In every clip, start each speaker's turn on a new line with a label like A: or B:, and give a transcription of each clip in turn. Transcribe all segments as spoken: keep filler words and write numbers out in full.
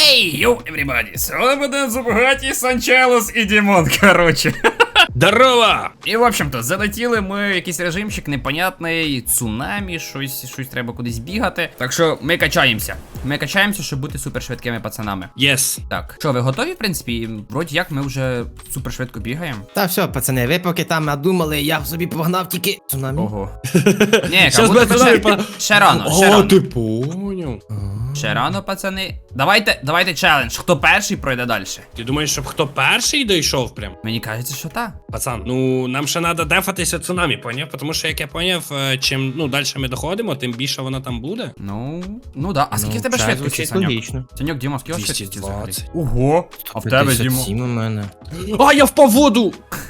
A: Ей, йоу, everybody, сьогодні буде Зубгаті, Санчелос і Дімон, короче.
B: Здорово!
A: І, в общем-то, залетіли ми в якийсь режимчик непонятний, цунамі, щось, щось треба кудись бігати. Так що ми качаємося. Ми качаємося, щоб бути супершвидкими пацанами.
B: Єс.
A: Так, що, ви готові, в принципі? Вроді як ми вже супершвидко бігаємо.
C: Та все, пацани, ви поки там надумали, я собі погнав тільки цунамі.
A: Ого. Ні,
B: Щас
A: буде
B: буде
A: ще,
B: цунамі,
A: ще рано, ще
B: О,
A: рано.
B: ти поняв.
A: Ще рано, пацани. Давайте, давайте челендж. Хто перший пройде далі?
B: Ти думаєш, щоб хто перший дійшов прям?
A: Мені кажеться, що так.
B: Пацан, ну нам ще треба дефатися цунамі, поняв? Тому що, як я поняв, е, чим ну, далі ми доходимо, тим більше воно там буде.
A: Ну, ну да. А скільки в тебе
C: це
A: швидкості,
C: звучить
A: Саньок?
C: логічно.
A: Саньок, Діма, скільки
B: двісті
A: швидкості взагалі?
B: двадцять.
A: Ого, а в тебе,
C: п'ятдесят
A: Дімо?
C: сім у мене.
B: А, я впав в воду!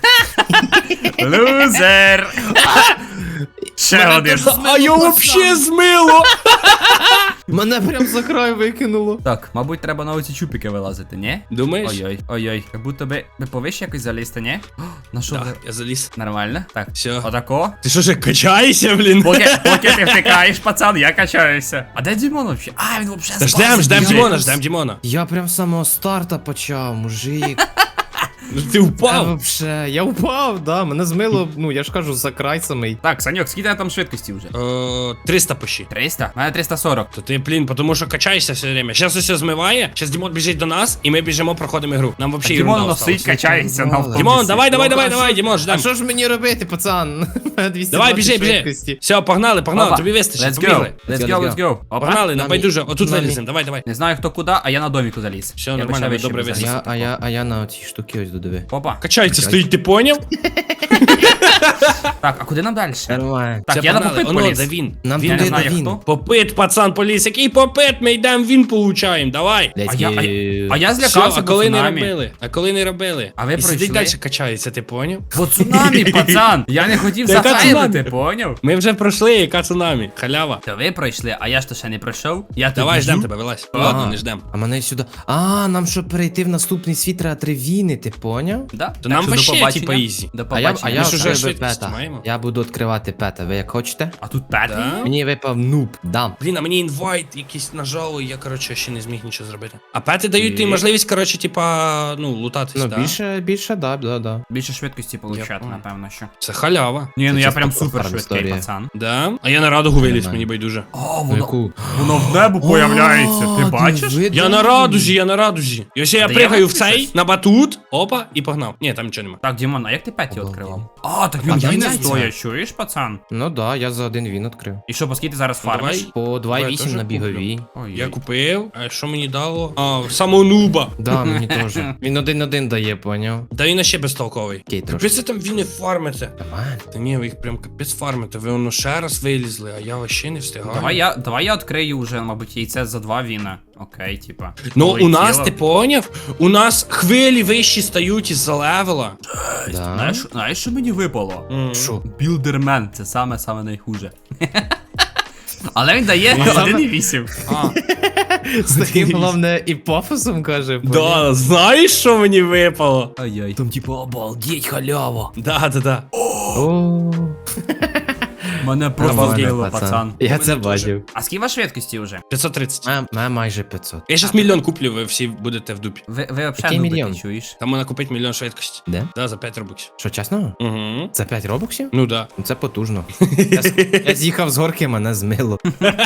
A: Лузер! Ще один.
B: А я вообще змило!
C: Мене прям за край викинуло.
A: Так, мабуть, треба на оці чупіки вилазити, ні?
B: Думаєш?
A: Ой-ой, ой-ой. Як будто би ви повище якось залізти, ні? О, на що ви?
B: Так, я заліз.
A: Нормально? Так.
B: Всьо.
A: Отако.
B: Ти що ж качаєшся, блін?
A: Поки, поки ти втикаєш, пацан, я качаюся. А де Дімон вообще? А, він вообще
B: Та ждем, ждем Дімона, ждем Дімона.
C: Я прям з самого старта почав, мужик.
B: Ну ти
C: Та
B: впав.
C: вообще, я упав, да, мене змило, ну я ж кажу, за край самий.
A: Так, Саньок, скільки там швидкості вже?
B: О, триста пощі.
A: триста? У мене триста сорок.
B: То ти, блін, тому що качаєшся все время. Щас усе змиває, щас Дімон біжить до нас, і ми біжимо, проходимо ігру. Нам вообще
A: Дімон
B: ерунда
A: носить,
B: осталась.
A: качається на автобусі.
B: Дімон, давай, давай, давай,
C: а
B: давай,
C: що-
B: Дімон,
C: А
B: ждем.
C: що ж мені робити, пацан? двісті
B: Давай,
C: двадцять
B: біжи, біжи.
C: швидкості.
B: Все, погнали, погнали,
A: Опа.
B: тобі вистачить,
A: Let's go,
B: побігли.
A: let's
C: Let's
A: go,
C: go.
A: let's go. Опа.
B: Погнали, на
C: Нами.
B: байдуже, отут
C: Нами.
B: виліземо, давай, давай.
A: Не знаю хто куди, а я на доміку заліз.
B: Все,
A: Я би
B: нормально,
A: ще
B: ви
A: вище
B: добре
A: би
C: А
A: заліз.
C: я, а я, а я на ці штуки ось додиви.
A: Опа.
B: Качається, стоїть, ти поняв?
A: Так, а куди нам далі?
C: Нормально.
A: Так,
B: Все,
A: я на
B: погнали.
A: попит
B: Оно,
A: поліз.
B: де він?
C: Нам
B: Він
A: Я
C: туди
A: не знаю
C: до він.
A: хто.
B: Попит, пацан, поліз. Який попит? Ми йдемо, він получаємо, давай.
A: А я, а, я- а я
B: Все,
A: злякався,
B: а
A: бо
B: коли не
A: цунамі.
B: робили? А коли не робили?
A: А ви
B: І сидить
A: пройшли?
B: далі качається, ти поняв?
A: Бо цунамі, пацан! Я не хотів
B: Та яка
A: захайлити,
B: цунамі?
A: поняв?
B: Ми вже пройшли, яка цунамі. Халява.
A: То ви пройшли, а я ж то ще не пройшов. Я тут
B: Давай,
A: біжу.
B: ждем тебе, вилазь.
C: А,
B: Ладно, не ждем.
C: А мене сюди. А, нам щоб перейти в наступний світ, треба три війни, ти поняв?
A: Да?
B: То
A: Так
B: нам
A: що до
B: вообще,
A: побачення.
B: типа, ізі.
A: До
C: А я, а
A: побачення.
C: я
B: Ми ж уже
C: відкрив
B: швидкість
C: пета.
B: маємо.
C: Я буду відкривати пета. Ви як хочете?
A: А тут п'ятий?
B: Да?
C: Мені випав нуб, дам.
B: Блін, а мені інвайт якийсь нажало, і я, коротше, ще не зміг нічого зробити. А пети дають
C: І?
B: тобі можливість, коротше, типа, ну, лутатись,
C: Ну,
B: да?
C: більше, більше, да, да, да.
A: Більше швидкості получати,
B: понял.
A: напевно, що.
B: Це халява.
A: Ні, ну
C: Це
A: я
C: чисто
A: прям
C: про
A: супер
C: фарм
A: швидкий,
C: історія.
A: пацан.
B: Да? А я на радугу виліз,
C: Нормально.
B: мені байдуже.
A: О,
C: Ну,
A: воно,
C: яку?
A: воно в небо появляється, ти
C: О,
A: бачиш?
C: диви,
B: Я
C: да.
B: на радужі, я на радужі. І ось я
A: Та
B: пригаю
A: я
B: в цей,
A: щось.
B: на батут, опа, і погнав. Ні, там нічого нема.
A: Так, Дімон, а як ти п'ятий
C: Обалдеть.
A: відкривав? А, так він
C: А,
A: він не
C: яйця.
A: стоїть, чуєш, пацан?
C: Ну да, я за один він відкрив.
A: І що, по скільки ти зараз
B: Ну,
A: фармиш?
B: давай.
C: По два
B: Давай,
C: вісім
B: теж
C: на біговій.
A: Ой,
B: Я купив, а що мені дало? А, самого нуба.
C: Да, мені теж. Він один-один дає, поняв?
B: Та він ще безтолковий.
C: Окей, трошки.
B: Капець ви там він не фармите.
C: Нормально.
B: Та ні, ви їх прям капець фармите. Ви воно ще раз вилізли, а я вообще не встигаю.
A: Давай я, давай я відкрию вже, мабуть, яйце за два віна. Окей, типа.
B: Ну, у нас,
A: Полетіло.
B: ти поняв? У нас хвилі вищі стають із-за левела.
C: Да.
A: Знаєш, знаєш, що мені випало?
C: Що?
A: Білдермен, це саме саме найхуже. Але він дає один і вісім.
B: А,
C: З таким, головне, і пафосом каже. поняв?
B: да, знаєш, що мені випало?
A: Ай-яй.
C: Там типу обалдеть халява.
B: Да, да, да.
C: О,
A: Мене просто
B: Обалдеть,
A: збило, пацан.
C: Я
B: Мене
C: це
B: теж.
C: бачив.
A: А скільки ваш швидкості вже?
B: п'ятсот тридцять.
C: Ме- ме майже п'ятсот.
B: Я щас мільйон куплю, ви всі будете в дупі.
A: Ви, ви
C: Який
A: взагалі нубите,
C: мільйон?
A: чуєш?
B: Там можна купити мільйон швидкості.
C: Де?
B: Да, за п'ять робоксів.
C: Що, чесно?
B: Угу.
C: За п'ять робоксів?
B: Ну да.
C: Ну, це потужно. Я, з- я з'їхав з горки, мене змило.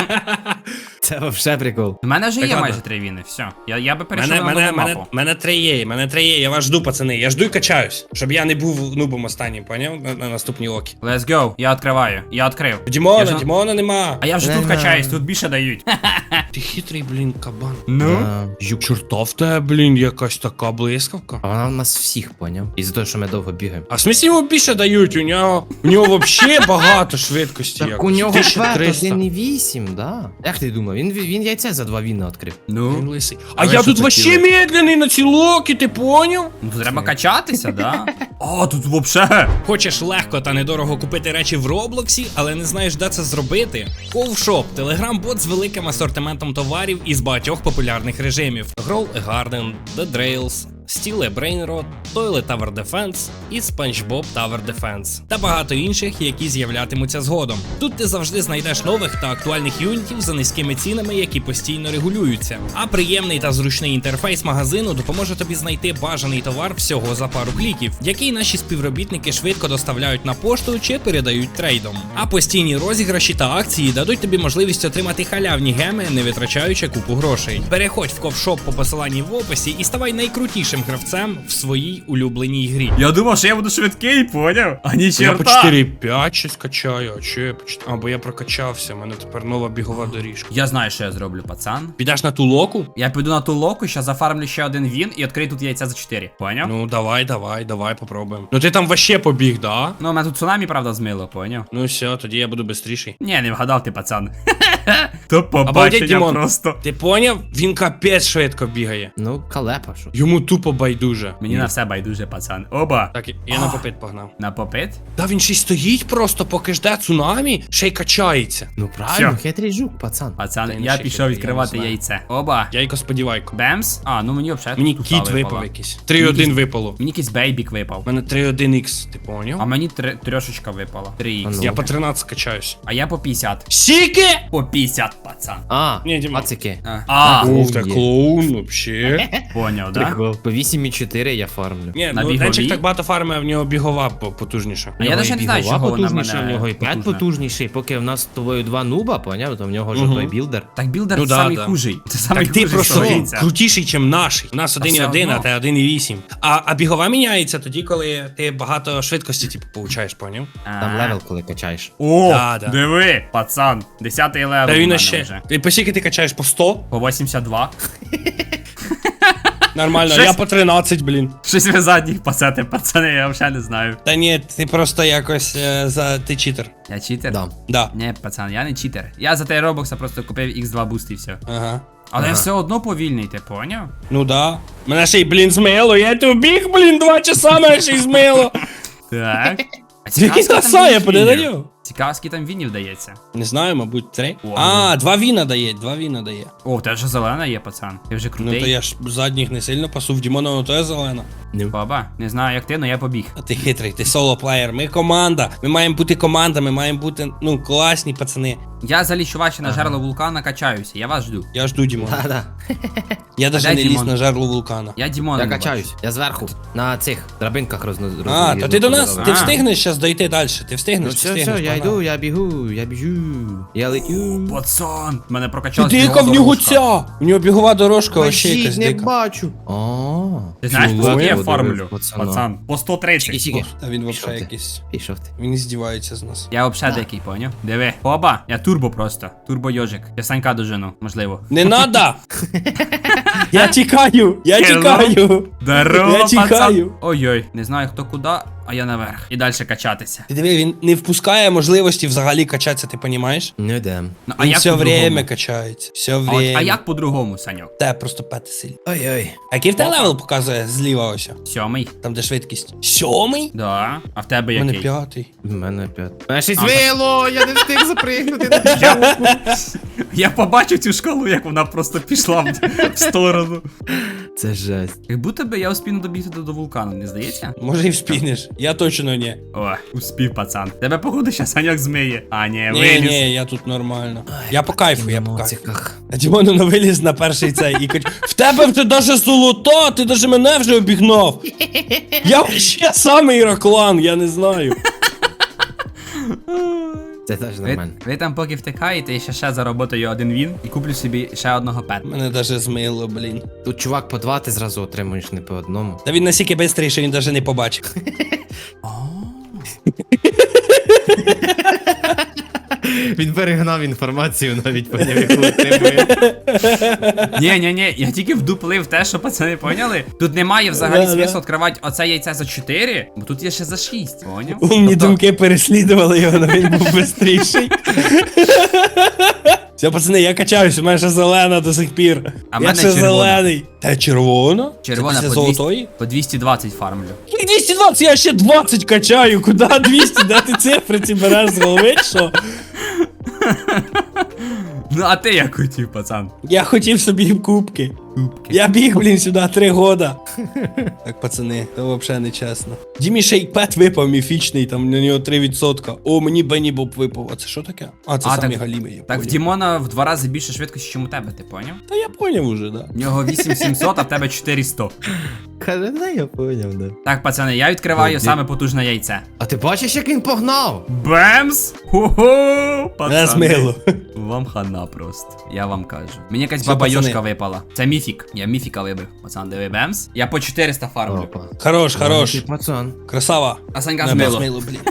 C: Це вообще прикол.
A: У мене вже
B: Так,
A: є
B: ладно.
A: майже три віни, все. Я, я би перейшов
B: Мене,
A: на
B: мене,
A: нову
B: мене,
A: мапу.
B: мене три є, мене три є, я вас жду, пацани. Я жду і качаюсь, щоб я не був нубом останнім, поняв? На, на наступній окі.
A: Let's go, я відкриваю, я відкрив.
B: Дімона,
A: Я ж-
B: Дімона нема.
A: А я вже тут
C: Не-не.
A: качаюсь, тут більше дають.
B: Ти хитрий, блін, кабан.
A: Ну?
C: Да.
B: Юк, чорта в тебе, блін, якась така блискавка.
C: А вона у нас всіх, поняв? Із-за того, що ми довго бігаємо.
B: А в смысле йому більше дають? У нього, у нього вообще багато швидкості.
C: Так
B: якось.
C: у нього
B: тисяча
C: пет
B: триста.
C: один і вісім, да. Як ти думав? Він, він яйце за два віна відкрив.
B: Він
A: Ну?
B: лисий. А
C: А ви
B: я
C: що
B: тут вообще
C: хотіли?
B: медленний на ці локи, ти поняв?
A: Ну тут треба качатися, да? О, тут вообще.
B: Хочеш легко та недорого купити речі в Роблоксі, але не знаєш, де це зробити? Ковшоп – телеграм-бот з великим асортиментом товарів із багатьох популярних режимів: Grow a Garden, The Drails, Steel Brain Rot, Toilet Tower Defense і SpongeBob Tower Defense. Та багато інших, які з'являтимуться згодом. Тут ти завжди знайдеш нових та актуальних юнітів за низькими цінами, які постійно регулюються. А приємний та зручний інтерфейс магазину допоможе тобі знайти бажаний товар всього за пару кліків, який наші співробітники швидко доставляють на пошту чи передають трейдом. А постійні розіграші та акції дадуть тобі можливість отримати халявні геми, не витрачаючи купу грошей. Переходь в ковшоп по посиланні в описі і ставай найкрутішим гравцем в своїй улюбленій грі.
A: Я думав, що я буду швидкий, поняв? А ні,
B: Я по
A: черта.
B: чотири п'ять щось качаю, а що я по чотири? А, бо я прокачався, в мене тепер нова бігова доріжка.
A: Я знаю, що я зроблю, пацан.
B: Підеш на ту локу?
A: Я піду на ту локу, щас зафармлю ще один він і відкрию тут яйця за чотири. Поняв? Ну,
B: Ну давай, давай, давай попробуємо. Ну ти там вообще побіг, да?
A: ну у мене тут цунамі, правда, змило, поняв?
B: Ну все, тоді я буду бистріший.
A: Ні, не вгадав ти, пацан. То
B: Обалдеть,
A: побачення
B: Дімон.
A: просто.
B: Ти поняв? Він капець швидко бігає.
C: Ну, калепа, що.
B: Йому тупо байдуже.
A: Мені на все байдуже, пацан. Оба.
B: Так, я на попит погнав.
A: На попит?
B: Та він ще й стоїть просто, поки жде цунамі, ще й качається.
C: Ну правильно,
A: Всьо.
C: хитрий жук, пацан.
A: Пацан,
B: Та й
A: я
B: ще
A: пішов
B: хитрий,
A: відкривати
B: я не знаю.
A: яйце. Оба.
B: Яйко сподівайко.
A: Бемс? А, ну мені взагалі
B: Мені
A: тут
B: кіт
A: туфта
B: випав
A: випала.
B: якийсь. три один випало.
A: Мені якийсь бейбік випав.
B: У мене три один ікс, ти поняв?
A: А мені три- трьошечка випала. три ікс.
C: А ну.
B: Я по тринадцять качаюсь.
A: А я по п'ятдесят.
B: Сіки!
A: По п'ятдесят, пацан.
C: А,
B: Ні, Діма.
C: пацики.
A: А, а
B: Ух, ти
C: є.
B: клоун, вообще.
A: поняв, да?
C: Прикол. По вісім і чотири я фармлю.
B: Ні,
A: На
B: ну
A: біговій?
B: Денчик так багато фарми, а в нього бігова по- потужніша.
A: А я навіть не знаю,
C: Бігова
A: чого вона
C: потужніша,
A: мене
C: в нього і п'ять
A: потужна.
C: потужніший. Поки в нас з тобою два нуба, поняв, то в нього ж
B: Мгм.
C: той білдер.
A: Так білдер
B: Ну да,
A: самий
B: да.
A: хужий. Це самий
B: Так ти
A: хужий,
B: просто
A: що робиться.
B: крутіший, ніж наший. У нас один і
A: все
B: один, а
A: одно.
B: те один і вісім. А, а бігова міняється тоді, коли ти багато швидкості, типу, получаєш, поняв?
C: Там
A: А.
C: левел, коли качаєш.
A: О,
B: Да, да.
A: диви, пацан, десятий левел
B: Та
A: у
B: він
A: мене
B: ще.
A: вже.
B: Ти по скільки ти качаєш? По сто?
A: По вісімдесят два.
B: Нормально,
A: Щось-
B: я по тринадцять, блін.
A: Щось ви задніх пасете, пацани, я взагалі не знаю.
B: Та ні, ти просто якось е, за ти читер.
A: Я читер?
C: Да.
B: Да.
A: Ні, пацан, я не читер. Я за той робокса просто купив ікс два буст і все.
B: Ага.
A: Але я
C: Ага.
A: все одно повільний, ти поняв?
B: Ну да. Мене ще й, блін, змило. Я тут біг, блін, два часа мене ще й змило.
A: Так. А
B: Який
A: скільки там
B: краса, я
A: вінів?
B: подаю.
A: Цікаво, скільки там вінів дається.
B: Не знаю, мабуть, три.
A: О,
B: А, два віна дає, два віна дає.
A: О, у тебе вже зелена є, пацан. Ти вже
B: Ну
A: крутий.
B: то я ж задніх не сильно пасу, в Дімона на то є зелена.
A: Баба, не знаю як ти, але я побіг.
B: А ти хитрий, ти соло-плеєр. Ми команда. Ми маємо бути команда, ми маємо бути, ну, класні пацани.
A: Я залічу ваші на жерло вулкана, качаюся, я вас жду.
B: Я жду Дімона.
C: Да-да.
B: Я
A: А
B: навіть
A: де
B: не ліз
A: Дімон?
B: на жерло вулкана.
A: Я Дімона
C: Я
A: не
C: качаюсь.
A: бачу.
C: Я зверху. На цих драбинках розно...
B: А, то ти до нас, ти
A: А.
B: встигнеш зараз дойти далі. Ти
C: Ну
B: встигнеш,
C: все,
B: встигнеш.
C: все, я
B: погнали.
C: йду, я бігу, я біжу. Я летю.
A: Пацан, мене
B: Ти
A: прокачалась
B: дика в
A: бігова
B: нього
A: дорожка.
B: ця! У нього бігова дорожка, вообще
C: Бачіть,
B: якась
C: не
B: дика.
C: бачу. О,
A: Ти знаєш,
B: Чого?
A: по скільки я
C: Подивив,
A: фармлю?
C: пацана.
A: Пацан, по сто тридцять.
C: Сіки.
B: А він
C: Пішов
B: вообще
C: ти.
B: якийсь.
C: Пішов ти.
B: Він здівається з нас.
A: Я взагалі дикий, поняв? Диви. Оба, я турбо просто. Турбо йожик. Я Санька дожену, можливо.
B: Не надо! Я тікаю! Я
A: Hello.
B: тікаю!
A: Здорово,
B: Я
A: пацан.
B: тікаю.
A: Ой-ой, не знаю хто куди, а я наверх. І далі качатися.
B: Ти диви, він не впускає можливості взагалі качатися, ти понімаєш?
C: Не йдем.
A: Ну, а
B: Він
A: як
B: все
A: по-другому?
B: время качається. Все
A: А, от-
B: время.
A: а як по-другому, Саньок?
B: Те просто пети сильно.
C: Ой-ой.
B: А який в тебе левел показує зліва ось?
A: Сьомий?
B: Там де швидкість. Сьомий?
A: Да. А в тебе
B: У мене
A: який?
B: п'ятий.
C: В мене п'ять. Мене шість
A: А,
C: вило, я не встиг запригнути на жовку.
A: Я побачив цю шкалу, як вона просто пішла в, в сторону.
C: Це жесть.
A: Як будто би я успів добігти до, до вулкану, не здається?
B: Може і вспінеш. Я точно ні.
A: О, успів, пацан. Тебе походу ще Саньок змиє. А, ні,
B: Ні,
A: виліз.
B: ні, я тут нормально. Я по кайфу, я по кайфу.
C: Емоціях.
B: А Дімону на виліз на перший цей і кач... В тебе вже даже золото, ти даже мене вже обігнав. Я ще самий Іраклан, я не знаю.
C: Це теж
A: Ви,
C: нормально.
A: ви там поки втикаєте, я ще ще заработаю один він і куплю собі ще одного пета.
B: Мене даже змило, блін.
C: Тут чувак по два ти зразу отримуєш, не по одному.
B: Та він настільки бистрий, що він даже не побачив.
C: Він перегнав інформацію навіть по яку отримує.
A: Ні, ні, ні, я тільки вдуплив те, що пацани поняли. Тут немає взагалі
B: Да,
A: смислу
B: да.
A: відкривати оце яйце за чотири, бо тут є ще за шість, поняв?
B: Умні
A: Тобто-
B: думки переслідували його, але він був бистріший. Все, пацани, я качаюсь, у мене ще зелена до сих пір.
A: А в
B: я
A: мене
B: ще
A: червона.
B: зелений. Та червона?
A: Червона
B: Це
A: по,
B: після
A: двісті,
B: золотої?
A: по двісті двадцять фармлю.
B: Як двісті двадцять, я ще двадцять качаю. Куди двісті? Де ти цифри ці береш з голови, чи що?
A: Ну а ти як хотів, пацан?
D: Я хотів собі кубки.
A: Кубки.
D: Я біг, блін, сюди три года. Так, пацани, то взагалі не чесно. Дімі шейкпет випав міфічний, там на нього три відсотка. О, мені Бенні Боб випав. А це що таке? А, це
A: А,
D: самі
A: так-
D: галіми, я
A: Так в
D: поняв.
A: Дімона в два рази більше швидкості, ніж у тебе, ти поняв?
D: Та я поняв уже, да.
A: В нього вісім сімсот, а в тебе чотириста.
C: Каже, да, я поняв, да.
A: Так, пацани, я відкриваю
C: Ну,
A: саме потужне яйце.
C: А ти бачиш, як він погнав?
A: Бемс! Хо-хо! Пацани.
D: сміло.
A: Вам хана просто. Я вам кажу. Мені якась
D: Все,
A: баба
D: пацани.
A: Йошка випала. Це міфік. Я міфіка вибив. Пацан, диви, бемс. Я по чотириста фармлю.
C: Опа.
D: Хорош, хорош.
C: Ти пацан.
D: Красава.
A: А Санька
D: Не,
A: змило.
D: змило, блін.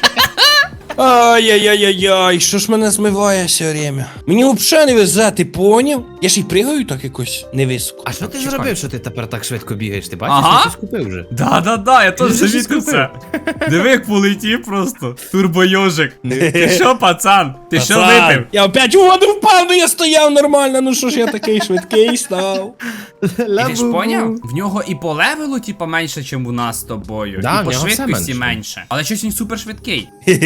D: Ай-яй-яй-яй, що ж мене змиває все время? Мені взагалі не везе, ти поняв? Я ж і пригаю так якось невисоко.
C: А що ти
A: Чекай.
C: зробив, що ти тепер так швидко бігаєш? Ти бачиш,
A: Ага.
C: я щось купив вже.
A: Да-да-да, я теж
C: Ти вже щось
A: замітив це.
C: купив?
A: Диви, як полетів просто. Турбойожик. Ти що, пацан? Ти що
D: Пацан,
A: випив?
D: Я опять у воду впав, ну я стояв нормально, ну що ж я такий швидкий став.
A: Ти ж поняв? В нього і по левелу, типа, менше, ніж у нас з тобою.
C: Да,
A: і
C: в
A: по
C: нього все
A: швидкості
C: менше.
A: менше. Але щось він супер швидкий.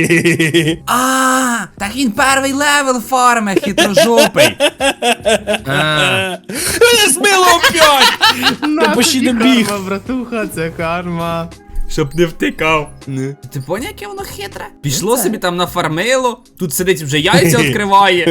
A: А, так він перший левел фарме, хитрожопий.
C: А,
D: Мене змило опять! Та почти добіг.
C: братуха, це карма.
A: Щоб не втикав.
C: Ну.
A: Ти поняв, яке воно хитре? Пішло собі там нафармило, тут сидить вже яйця відкриває.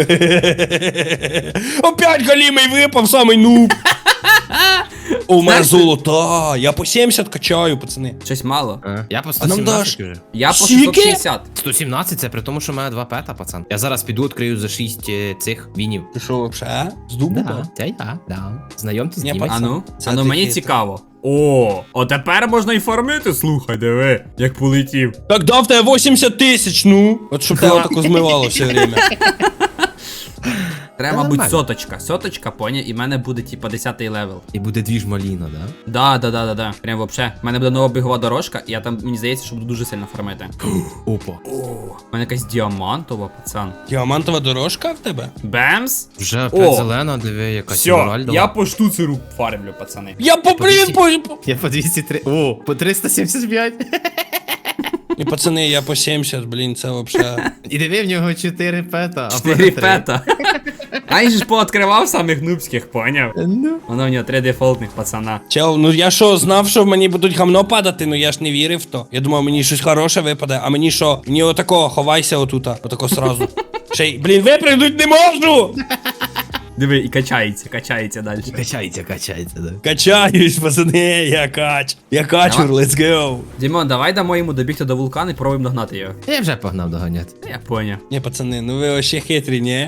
D: Опять галімий випав, самий нуб. О, у мене золота, я по сімдесят качаю, пацани.
A: Щось мало.
C: А, Я по
D: А нам
C: сто
D: даш?
C: сімнадцять вже.
A: Я по
D: Скільки?
A: шістсот шістдесят.
C: сто сімнадцять це при тому, що в мене два пета, пацан. Я зараз піду відкрию за шість е, цих вінів.
D: Ти що, вообще? З дубу?
C: Да, це я, да. Знайомтесь з
D: Ні,
C: Дімою.
A: А ну,
D: Це
A: а ну
D: ти
A: мені
D: хитрий.
A: цікаво. О, а тепер можна і фармити, слухай, диви, як полетів.
D: Так дав тебе вісімдесят тисяч, ну. От щоб тебе тако змивало все время.
A: Треба,
C: Та
A: мабуть,
C: нормально.
A: соточка. Соточка, поня, і в мене буде, типа, десятий левел.
C: І буде дві ж маліна, да?
A: Да, да, да, да, да. Прям вообще. У мене буде нова бігова дорожка, і я там, мені здається, що буду дуже сильно фармити.
C: Опа.
A: У мене якась діамантова, пацан.
D: Діамантова дорожка в тебе?
A: Бемс.
C: Вже
A: О!
C: опять зелена, диви, якась
A: Все,
C: емеральдова.
A: я по штуцеру фармлю, пацани.
D: Я по блін, по...
C: Я по двісті три. О, по триста сімдесят п'ять.
D: І пацани, я по сімдесят, блін, це вообще.
C: І диви, в нього чотири пета. а в мене
A: Чотири
C: три.
A: пета. А він же ж пооткривав самих нубських, поняв?
C: Ну.
A: Воно в нього три дефолтних пацана.
D: Чел, ну я що, знав, що мені будуть гамно падати, ну я ж не вірив в то. Я думав, мені щось хороше випаде, а мені що? Мені отако, ховайся отута, отако сразу. Ще й, блін, випрыгнуть не можу!
A: Диви, і качається, качається далі.
C: Качається, качається, да.
D: Качаюсь, пацани, я кач. Я качур, let's go.
A: Дімон, давай дамо йому добігти до вулкану і пробуємо догнати його.
C: Я вже погнав доганяти.
A: Та Я поняв.
D: Ні, пацани, ну ви вообще хитрі, ні?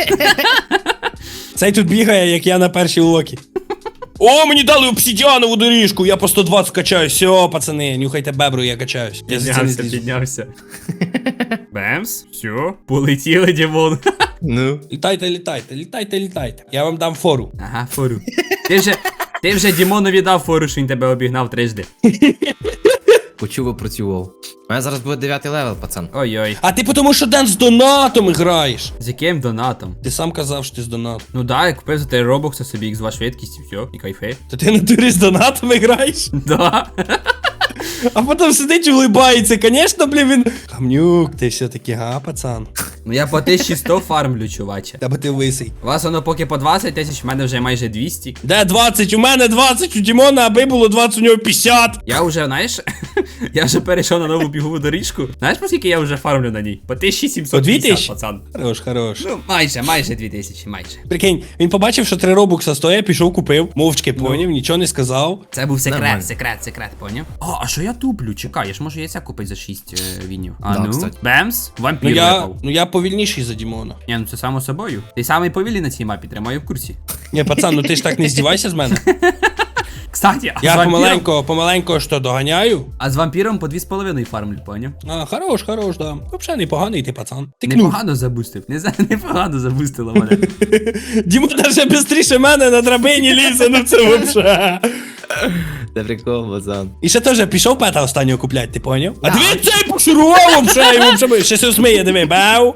D: Цей тут бігає, як я на першій локі. О, мені дали обсидіанову доріжку, я по сто двадцять качаюсь. Все, пацани, нюхайте бебру, я качаюсь. Я за це не
A: Піднявся,
D: злізу.
A: піднявся. Бемс, все, полетіли, Дімон.
C: Ну.
D: Літайте, літайте, літайте, літайте. Я вам дам фору.
A: Ага, фору. Ти вже, ти вже Дімонові дав фору, що він тебе обігнав трижди.
C: Почув, працював. У мене зараз буде дев'ятий левел, пацан.
A: Ой-ой.
D: А ти тому що Ден з донатом граєш.
A: З яким донатом?
D: Ти сам казав, що ти з донатом.
A: Ну да, я купив за три робокса собі ікс два швидкість і все, і кайфи.
D: Та ти на турі з донатами граєш?
A: Да.
D: А потім сидить і улибається. Конечно, блін, він. Камнюк, ти все-таки, га, пацан.
A: Ну я по тисячі сто фармлю, чуваче.
D: Та бо ти лисий.
A: У вас воно поки по двадцять тисяч, в мене вже майже двісті.
D: Де двадцять? У мене двадцять, у Дімона, аби було двадцять, у нього п'ятдесят.
A: Я вже, знаєш, я вже перейшов на нову бігову доріжку. Знаєш, по скільки я вже фармлю на ній? По тисячі сімсот
D: По дві
A: п'ятдесят,
D: тисячі?
A: пацан.
D: Хорош, хорош.
A: Ну, майже, майже дві тисячі, майже.
D: Прикинь, він побачив, що три робокса стоїть, пішов, купив, мовчки поняв, нічого не сказав.
A: Це був секрет,
C: Нормально.
A: секрет, секрет, поняв? О, а що я туплю? Чекай, я ж можу яйця купити за шість е, вінів. А
C: Да,
A: ну,
C: кстати.
A: бемс, вампір
D: Ну я,
A: випав.
D: ну я повільніший за Дімона.
A: Ні, ну це само собою. Ти самий повільний на цій мапі, тримаю в курсі.
D: Ні, пацан, ну ти ж так не здівайся з мене.
A: Кстати, а з
D: Я
A: вампіром...
D: помаленько, помаленько що доганяю.
A: А з вампіром по дві з половиною фармлю, поняв?
D: А, хорош, хорош, да. Взагалі непоганий ти, пацан. Ти кнув.
A: Непогано забустив. Не за непогано забустило мене.
D: Діма навіть швидше мене на драбині лізе, ну це взагалі.
C: Це прикол, пацан.
D: І ще теж пішов пета останнього купляти, ти поняв? А диви цей пошурував вже, йому вже ще все сміє, диви, бау.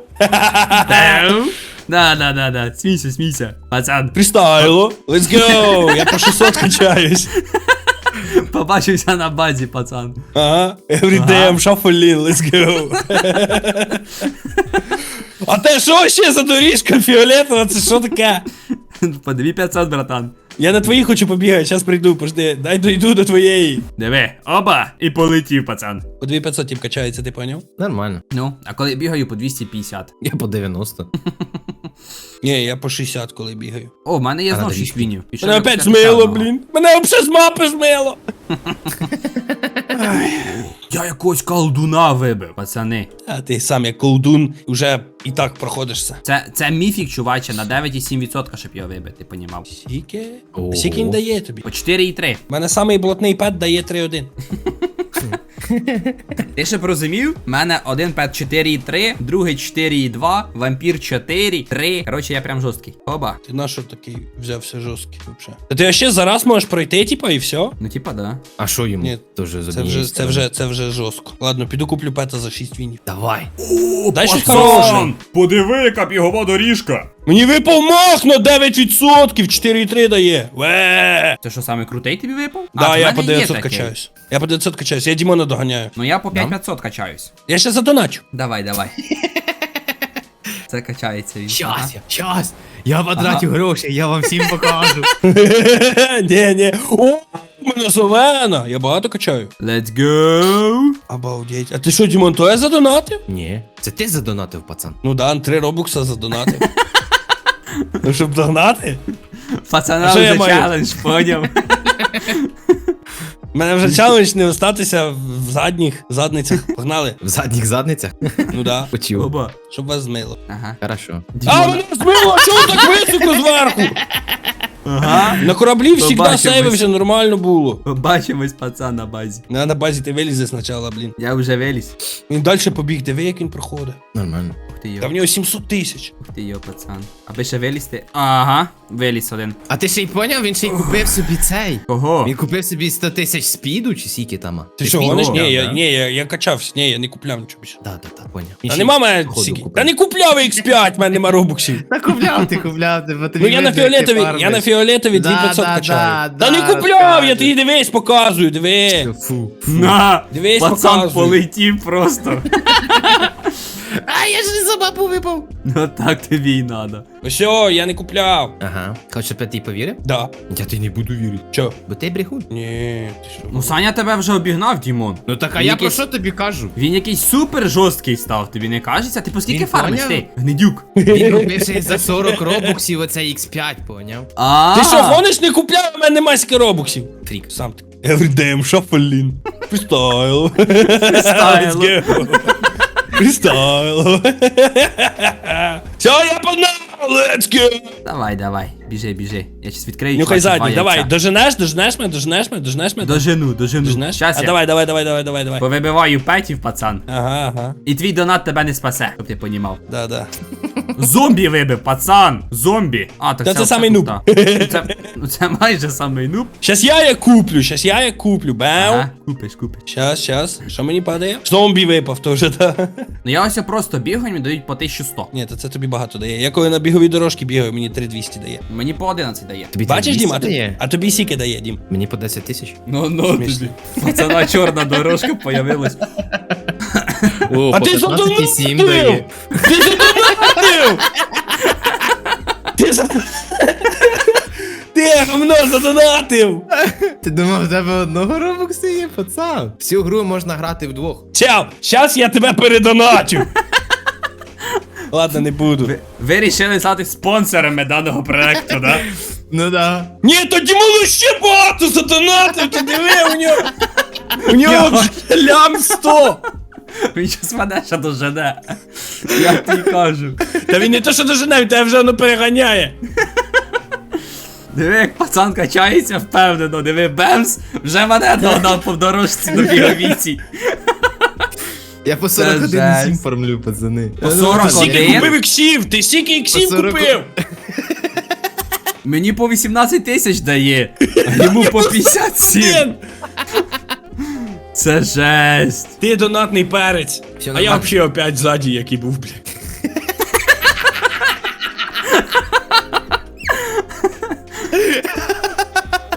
A: Да, да, да, да. Смійся, смійся. Пацан,
D: Фрістайло. Let's go. Я по шістсот качаюсь.
A: побачився на базі, пацан.
D: Ага. Every day I'm shuffling, let's go. А те що ще за доріжка фіолетова? Це що таке?
A: По дві п'ятсот, братан.
D: Я на твої хочу побігати, зараз прийду, пожди. Дай дойду до твоєї.
A: Диви, оба, і полетів, пацан.
D: По дві п'ятсот тіп качається, ти поняв?
C: Нормально.
A: Ну, а коли бігаю по двісті п'ятдесят.
C: Я по дев'яносто.
D: Ні, я по шістдесят, коли бігаю.
A: О, в мене є
C: А
A: знов
C: надо
A: шість вінів. Пішов
D: Мене
A: я
D: опять
A: почати
D: змило,
A: одного.
D: блін. Мене взагалі з мапи змило.
A: Я якогось колдуна вибив, пацани.
D: А ти сам як колдун вже і так проходишся.
A: Це, це міфік, чуваче, на дев'ять цілих сім десятих відсотка, щоб його вибити, понімав.
D: Скільки?
C: Ого.
D: Скільки він дає тобі?
A: По чотири і три.
D: У мене самий блатний пет дає три один.
A: Ти ще б розумів? У мене один пет чотири і три, другий чотири і два, вампір чотири, три. Коротше, я прям жорсткий. Оба.
D: Ти на що такий взявся жорсткий взагалі? Та ти ще зараз можеш пройти, типа, і все?
A: Ну, типа, да.
C: А що йому?
D: Ні,
C: Тоже з
D: Це
C: однієї
D: вже, це
C: сторони.
D: вже, це вже жорстко. Ладно, піду куплю пета за шість вінів.
C: Давай.
D: Дай щось хороше.
A: Подиви, яка бігова доріжка.
D: Мені випав мах на дев'ять відсотків, чотири і три дає. Ве.
A: Це що, саме крутий тобі випав?
D: Да,
A: в
D: я
A: мене
D: по
A: є
D: дев'ятсот
A: такий.
D: качаюсь. Я по дев'ятсот качаюсь, я Дімона доганяю.
A: Ну я по п'ять
C: Да?
A: п'ятсот качаюсь.
D: Я ще задоначу.
A: Давай, давай. Це качається він. Ага.
C: Щас, я, щас. Я потрачу гроші, я вам всім покажу.
D: Ні, ні. О, у мене зелена. Я багато качаю.
A: Let's go.
D: Обалдеть. А ти що, Дімон, то я задонатив?
C: Ні, це ти задонатив, пацан.
D: Ну да, три робокса задонатив. Ну, щоб догнати.
A: Пацана
D: А що я
A: вже
D: маю?
A: челендж, поняв.
D: У мене вже челендж не остатися в задніх задницях. Погнали.
C: В задніх задницях?
D: Ну да.
C: Почув.
A: Оба.
D: Щоб вас змило.
A: Ага.
C: Хорошо.
D: А, мене змило, а чого так високо зверху?
A: Ага.
D: На кораблі завжди
A: Побачимось.
D: сейвився, нормально було.
A: Побачимось, пацан, на базі.
D: На, на базі ти вилізе спочатку, блін.
A: Я вже виліз.
D: Він далі побіг, диви, як він проходить.
C: Нормально.
A: Ух ти
D: Та
A: йо.
D: в нього сімсот тисяч.
A: Ух ти йо, пацан. Аби ще вилізти. Ага. Виліз один.
C: А ти ще й поняв, він ще й купив собі цей.
A: Кого?
C: Він купив собі сто тисяч спіду, чи скільки там? а?
D: Ти що,
C: спіду
D: гониш?
C: купив,
D: Ні, я,
C: да?
D: ні, я, я качався. Ні, я не купляв нічого більше.
C: Да, да, да, поняв.
D: Та нема мене стільки. Та не купляв ікс п'ять, в мене нема робоксів.
C: Та купляв ти, купляв ти, бо тобі
D: Ну я на
C: видно, як ти
D: фіолетові, я на
C: фармиш.
D: фіолетові
C: Да,
D: дві п'ятсот
C: да,
D: качаю.
C: да,
D: Та не
C: да,
D: купляв, я
C: розказуй.
D: тобі дивись, показую, диви.
C: Фу.
A: На!
D: Дивись,
A: Пацан
D: показуй.
A: полетів просто.
C: А, я ж не за бабу випав.
A: Ну так тобі й надо.
D: Все, я не купляв.
C: Ага. Хочеш, щоб я тобі повірив?
D: Да.
C: Я тобі не буду вірити.
D: Чо?
C: Бо ти брехун.
D: Ні, ти що?
A: Ну Саня тебе вже обігнав, Дімон.
C: Ну так, а
A: Він
C: я про
A: якийсь-
C: що тобі кажу?
A: Він якийсь супер жорсткий став, тобі не кажеться? Ти по скільки
C: Він
A: фармиш
C: поняв?
A: ти? Гнидюк.
C: Він купив ще й за сорок робоксів оцей ікс п'ять, поняв?
A: А.
D: Ти що, гониш, не купляв, у мене нема скільки робоксів.
C: Фрік.
D: Сам ти. Everyday shuffling. Freestyle.
A: Freestyle.
D: Let's go. Freestyle. Все, я погнав, let's go.
A: Давай, давай, біжи, біжи. Я щас відкрию.
D: Нюхай
A: чувак,
D: задній,
A: два
D: давай,
A: яйця.
D: доженеш, доженеш мене, доженеш мене, доженеш мене.
A: Дожену, дожену.
D: Доженеш?
A: Щас
D: А
A: я
D: давай, давай, давай, давай, давай, давай.
A: повибиваю петів, пацан.
D: Ага, ага.
A: І твій донат тебе не спасе, щоб ти понімав.
D: Да, да.
A: Зомбі вибив, пацан! Зомбі! А, так
D: Та
A: це,
D: це самий нуб.
A: Ну це, ну це майже самий нуб.
D: Щас я як куплю, щас я як куплю, бау.
A: Ага, купиш, купиш.
D: Щас, щас. Що мені падає? Зомбі випав теж, да.
A: Ну я ось просто бігаю, мені дають по тисячу сто.
D: Ні, то це тобі багато дає. Я коли на біговій дорожці бігаю, мені три двісті дає.
A: Мені по одинадцять дає.
C: Тобі
D: Бачиш,
C: двісті
D: Дім, а, тобі,
C: дає?
D: а тобі сіки дає, Дім.
C: Мені по десять тисяч.
A: Ну, ну,
D: Смішно.
A: тобі. Пацана чорна дорожка появилась.
C: О,
D: А ти задонатив!
C: сім дає.
D: Ти задонатив! Ти за... Ти говно задонатив!
C: Ти думав, в тебе одного робоксу є, пацан? Всю гру можна грати вдвох.
D: Чел, щас я тебе передоначу. Ладно, не буду.
A: Ви, ви рішили стати спонсорами даного проекту, да?
C: Ну да.
D: Ні, тоді малу ще багато задонатив, ти диви, у нього... У нього лям сто.
A: Він щас мене ще дожене. Я тобі кажу.
D: Та він не то, що дожене, він тебе вже воно переганяє.
A: Диви, як пацан качається впевнено, диви, бемс, вже мене догнав по дорожці на біговіці.
C: Я по
A: Це
C: сорок один
A: жесть.
C: сім фармлю, пацани.
A: По
D: Ти
A: сорок
D: скільки
A: один?
D: купив іксів? Ти скільки іксів
C: По сорок.
D: купив?
A: Мені по вісімнадцять тисяч дає, а йому по п'ятдесят сім.
D: Блін,
A: Це жесть.
D: ти донатний перець.
C: Всё
D: А я
C: нормально.
D: взагалі опять ззаді, який був, блядь.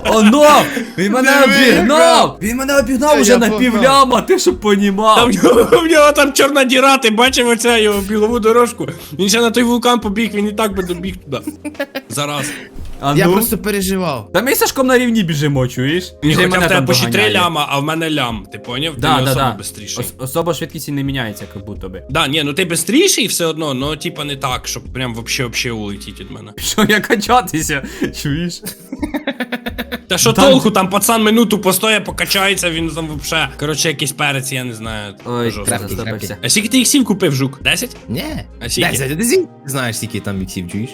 A: Оно! Він мене обігнав! Він мене обігнав
C: Я
A: уже на
C: погнав.
A: півляма, ти щоб понімав.
D: Там в нього, в нього там чорна діра, ти бачив оцю його бігову дорожку. Він ще на той вулкан побіг, він і так би добіг туди. Зараз.
A: А
C: Я
A: ну?
C: просто переживав.
A: Та ми з Сашком на рівні біжимо, чуєш?
D: Ні,
A: Вже
D: хоча в
A: мене
D: тебе
A: там
D: по ще три
A: доганяє.
D: ляма, а в мене лям. Ти поняв? Ти
A: Да,
D: не
A: да,
D: особо
A: да.
D: бистріший.
A: Ос- особо швидкість і не міняється, як будто би.
D: Да, ні, ну ти бистріший все одно, но типа не так, щоб прям вообще вообще улетіть від мене.
A: Що я качатися, чуєш?
D: Та що
A: Там-
D: толку, там пацан минуту постоє, покачається, він там вообще. Коротше, якийсь перець, я не знаю.
A: Ой,
D: жорстко.
C: крапки,
A: застопився.
D: А скільки ти іксів купив, жук? Десять?
C: Ні.
D: А скільки?
C: Десять, ти зі- знаєш, скільки там іксів, чуєш?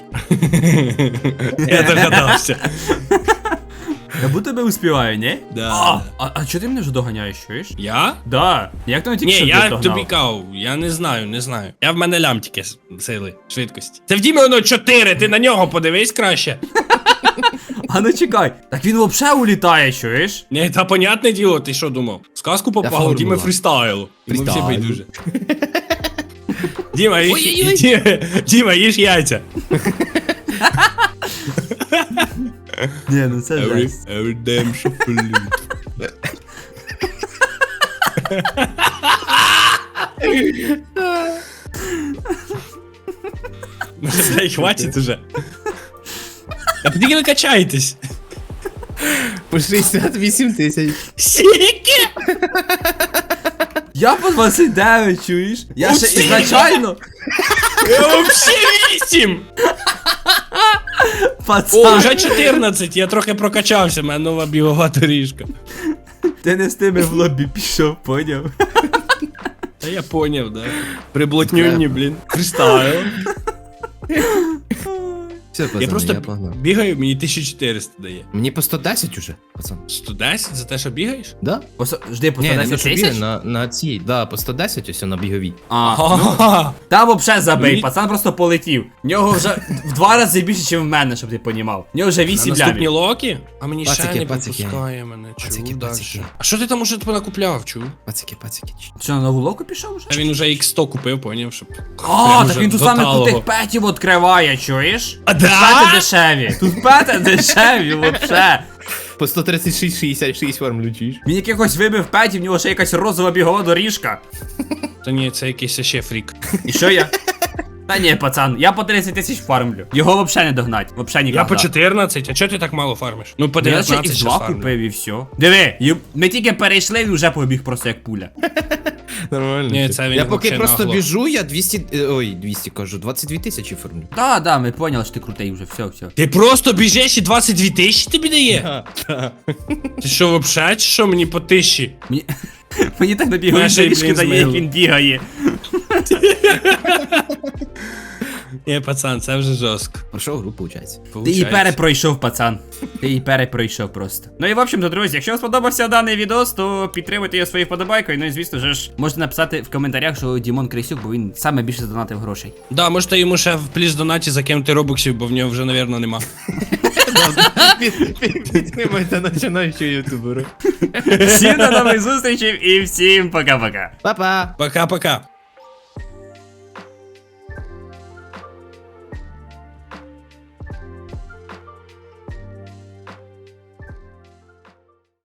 D: Я догадався.
A: Я будто би успіваю, ні?
D: Да.
A: А, а, а чого ти мене вже доганяєш, чуєш?
D: Я?
A: Да. Як ти мене тільки
D: Ні,
A: що
D: я
A: догнав?
D: тобі кав, я не знаю, не знаю. Я в мене лям тільки с- сили, швидкості. Це в Дімі воно чотири, ти на нього подивись краще.
A: А ну чекай, так він взагалі улітає, чуєш?
D: Ні, та понятне діло, ти що думав? Сказку попав, у Діми
C: формула.
D: фрістайл. Йому всі
C: Фрістайл.
D: байдуже. Діма, їж,
C: Ой-ой-ой.
D: Діма, Діма, їж яйця.
A: Ні, ну це жесть.
D: every damn shuffle. Дай, хватить уже. А підійки ви качаєтесь?
C: По шістдесят вісім тисяч.
D: Скільки?
A: Я по двадцять дев'ять, чуєш? Я ще
D: Усі!
A: ізначально,
D: Я вообще вісім! О,
A: пацан,
D: вже чотирнадцять, я трохи прокачався, в мене нова бігова доріжка.
A: ти не з тими в лобі пішов, поняв?
D: Та я поняв, да. Приблотнюнні, блін. Фрістайл.
C: Все, пацани,
D: Я просто
C: я погнав.
D: бігаю, мені тисяча чотириста дає.
C: Мені по сто десять уже, пацан.
D: сто десять за те, що бігаєш?
C: Да?
A: Посо... Жди, по
C: Ні,
A: сто
C: не на
A: десять
C: що
A: тисяч?
C: бігає, на, на цій, да, по сто десять ось на біговій.
A: А, ну,
D: Ага.
A: там вообще забий,
D: Мені-
A: пацан просто полетів. В нього вже в два рази більше, ніж в мене, щоб ти понімав. В нього вже
D: На
A: вісім
D: наступні
A: лямів.
D: локи? А мені ще
C: Пацики,
D: не
C: пацики.
D: пропускає мене.
C: Пацики,
D: Чу,
C: пацики.
D: дальше. А що ти там уже накупляв, чу?
C: Пацики, пацики.
A: Що, на нову локу пішов вже?
D: А він уже ікс сто купив, поняв, щоб...
A: А,
D: Прям
A: так
D: уже
A: він тут
D: до
A: саме
D: талого.
A: крутих петів відкриває, чуєш?
D: А
A: Пети
D: да?
A: дешеві. Тут пети дешеві, вообще.
C: По сто тридцять шість шістдесят шість форм чуєш?
A: Він якихось вибив петів, в нього ще якась розова бігова доріжка.
D: Та ні, це якийсь ще фрік.
A: І що я? Та ні, пацан, я по тридцять тисяч фармлю. Його вообще не догнать, вообще ніколи.
D: Я по чотирнадцять, а чого ти так мало фармиш? Ну по
A: Я ще
D: дев'ятнадцять
A: ікс
D: ще
A: два
D: фармлю.
A: купив і все. Диви, ю- ми тільки перейшли і вже побіг просто як пуля.
C: Нормально.
D: Ні, це він
C: Я поки
D: вообще
C: просто
D: нагло.
C: біжу, я двісті, е, ой, двісті кажу, двадцять дві тисячі формлю.
A: Да, да, ми поняли, що ти крутий вже, все, все.
D: Ти просто біжиш і двадцять дві тисячі тобі дає? Ти що, вообще, чи що мені по тисячі?
A: Мені, мені так на біговій
D: Мене ще й,
A: доріжки
D: блін,
A: дає, як
D: змило.
A: він бігає.
D: Ні, пацан, це вже жорстко.
C: Пройшов гру, виходить.
A: Ти її перепройшов, пацан. Ти її перепройшов просто. Ну і в общем-то, друзі, якщо вам сподобався даний відос, то підтримуйте його своєю вподобайкою. Ну і звісно ж, можете написати в коментарях, що Дімон Крисюк, бо він саме більше задонатив грошей.
D: Да, можете йому ще в пліс донаті закинути робоксів, бо в нього вже, навірно, нема.
C: Підтримайте починаючого ютубера.
A: Всім до нових зустрічей і всім пока-пока.
C: Па-па!
D: Пока-пока.